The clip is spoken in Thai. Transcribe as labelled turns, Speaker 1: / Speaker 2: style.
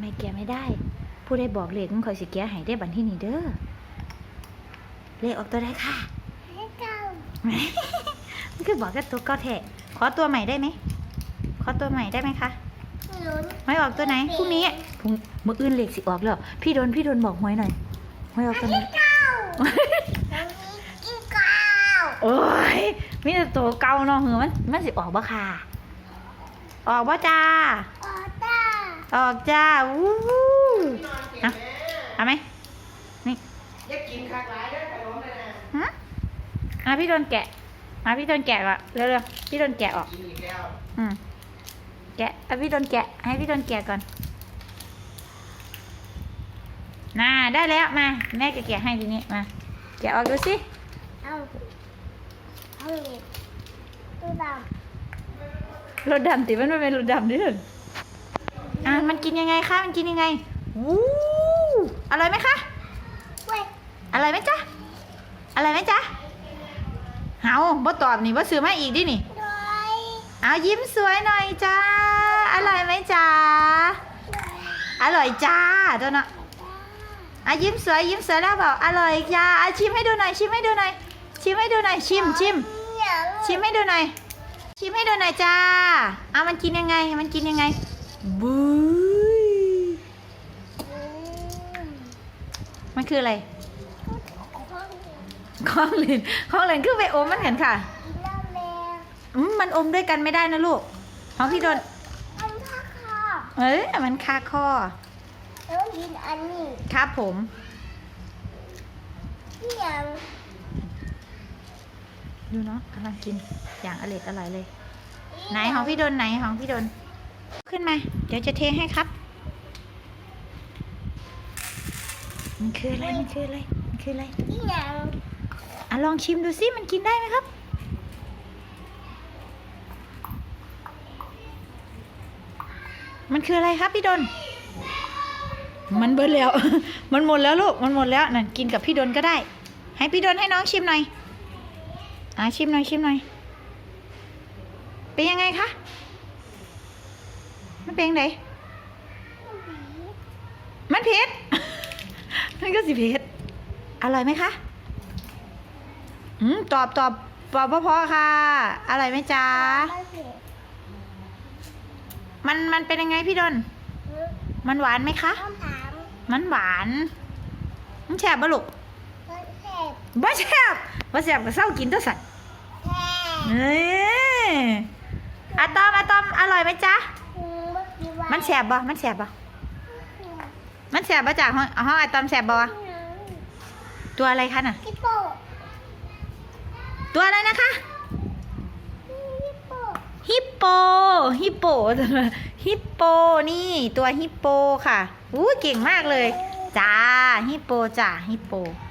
Speaker 1: แกะไม่ได้ผู้ใดบอกเลขมันคอยสิแกะให้ได้บัดที่นี่เด้อเลขออกตัวได้ค่ะมันคือบอกแค่ตัวเก้าแท้ขอตัวใหม่ได้ไหมขอตัวใหม่ได้ไหมคะไม่ออกตัวไหนพรุ่งนี้มื้ออื่นเลขสิออกแล้วพี่โดนบอกหวยหน่อยหวยออกตัวไหนโอ้ยมีแต่ตัวเก่าเนาะเหรอมันสิออกบ่ค่ะออกบ่จ้าออกจ้าวู้เอาไหมนี่
Speaker 2: อยากกินคักหลายเด้อขนมเลยนะ
Speaker 1: พี่โดนแกะพี่โดนแกะก่อนเร็วๆพี่โดนแกะออก
Speaker 2: กินอีกแล้ว
Speaker 1: แกะพี่โดนแกะให้พี่โดนแกะก่อนน่าได้แล้วมาแม่จะแกะให้ทีนี้มาแกะออกดูสิ
Speaker 3: เอาเหล็กตัวด
Speaker 1: รถดำติมันไม่เป็นรถดำด้วยมันกินยังไงคะมันกินยังไงวู้อร่อยไหมคะอร่อยไหมจ๊ะอร่อยไหมจ๊ะเฮาบ่ตอบนี่บ่ซื้อมาอีกดินี่เอายิ้มสวยหน่อยจ้าอร่อยไหมจ๊ะอร่อยจ้าตัวเนาะยิ้มสวยแล้วบอกอร่อยจ้าชิมให้ดูหน่อยชิมให้ดูหน่อยชิมให้ดูหน่อยชิมให้ดูหน่อยชิมให้ดูหน่อยจ้ามันกินยังไงบู๊มันคืออะไรข้องเล่นคือไปอมมันเห็นค่ะมันอมด้วยกันไม่ได้นะลูกของพี่โดนมันคาคอ
Speaker 3: แล้วกินอันนี้
Speaker 1: ครับผม
Speaker 3: ยัง
Speaker 1: ดูเนาะกำลังกินอย่างอร่อยเลยไหนของพี่โดนขึ้นมาเดี๋ยวจะเทให้ครับมันคืออะไร
Speaker 3: ยัง
Speaker 1: ลองชิมดูสิมันกินได้ไหมครับมันคืออะไรครับพี่ดนมันเบิดแล้ว มันหมดแล้วลูกมันหมดแล้วนั่นกินกับพี่ดนก็ได้ให้พี่ดนให้น้องชิมหน่อยชิมหน่อยเป็นยังไงคะมันเป็นยังไงมันเผ็ด มันก็สิเผ็ดอร่อยไหมคะตอบพอค่ะอร่อยไหมจ๊ะมันเป็นยังไงพี่ดนมันหวานไหมคะมันหวานมันแฉบบ่ลูกบ่แฉบก็เศร้ากินตัวสัตว์อะตอมอร่อยไหมจ๊ะมันแฉบบ่จ้ะห้องอะตอมแฉบบ่ตัวอะไรคะน่ะตัวอะไรนะคะฮิปโปนี่ตัวฮิปโปค่ะเก่งมากเลยจ้าฮิปโป